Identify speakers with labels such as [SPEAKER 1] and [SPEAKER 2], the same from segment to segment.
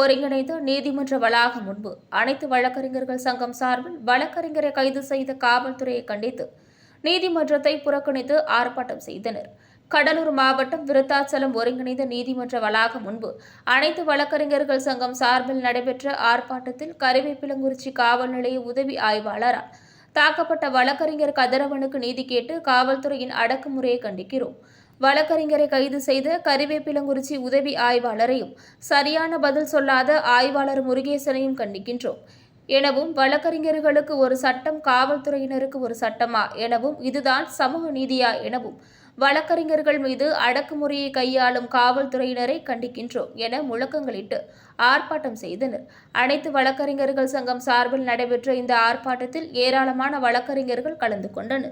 [SPEAKER 1] ஒருங்கிணைந்து நீதிமன்ற வளாகம் முன்பு அனைத்து வழக்கறிஞர்கள் சங்கம் சார்பில் வழக்கறிஞரை கைது செய்த காவல்துறையை கண்டித்து நீதிமன்றத்தை புறக்கணித்து ஆர்ப்பாட்டம் செய்தனர். கடலூர் மாவட்டம் விருத்தாச்சலம் ஒருங்கிணைந்த நீதிமன்ற வளாகம் முன்பு அனைத்து வழக்கறிஞர்கள் சங்கம் சார்பில் நடைபெற்ற ஆர்ப்பாட்டத்தில் கருவேப்பிலங்குறிச்சி காவல் நிலைய உதவி ஆய்வாளரால் தாக்கப்பட்ட வழக்கறிஞர் கதிரவனுக்கு நீதி கேட்டு காவல்துறையின் அடக்குமுறையை கண்டிக்கிறோம். வழக்கறிஞரை கைது செய்த கருவேப்பிலங்குறிச்சி உதவி ஆய்வாளரையும் சரியான பதில் சொல்லாத ஆய்வாளர் முருகேசனையும் கண்டிக்கின்றோம் எனவும், வழக்கறிஞர்களுக்கு ஒரு சட்டம், காவல்துறையினருக்கு ஒரு சட்டமா எனவும், இதுதான் சமூக நீதியா எனவும் வழக்கறிஞர்கள் மீது அடக்குமுறையை கையாளும் காவல்துறையினரை கண்டிக்கின்றோம் என முழக்கங்களிட்டு ஆர்ப்பாட்டம் செய்தனர். அனைத்து வழக்கறிஞர்கள் சங்கம் சார்பில் நடைபெற்ற இந்த ஆர்ப்பாட்டத்தில் ஏராளமான வழக்கறிஞர்கள் கலந்து கொண்டனர்.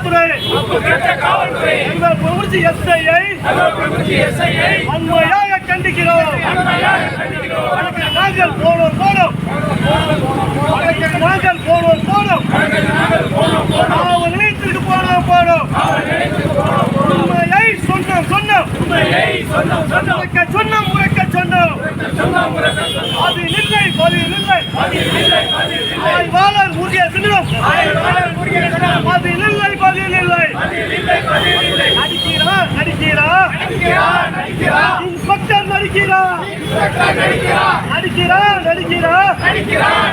[SPEAKER 2] ஆய்வாளர் முருகேசனிடம் நடிக்கிறார்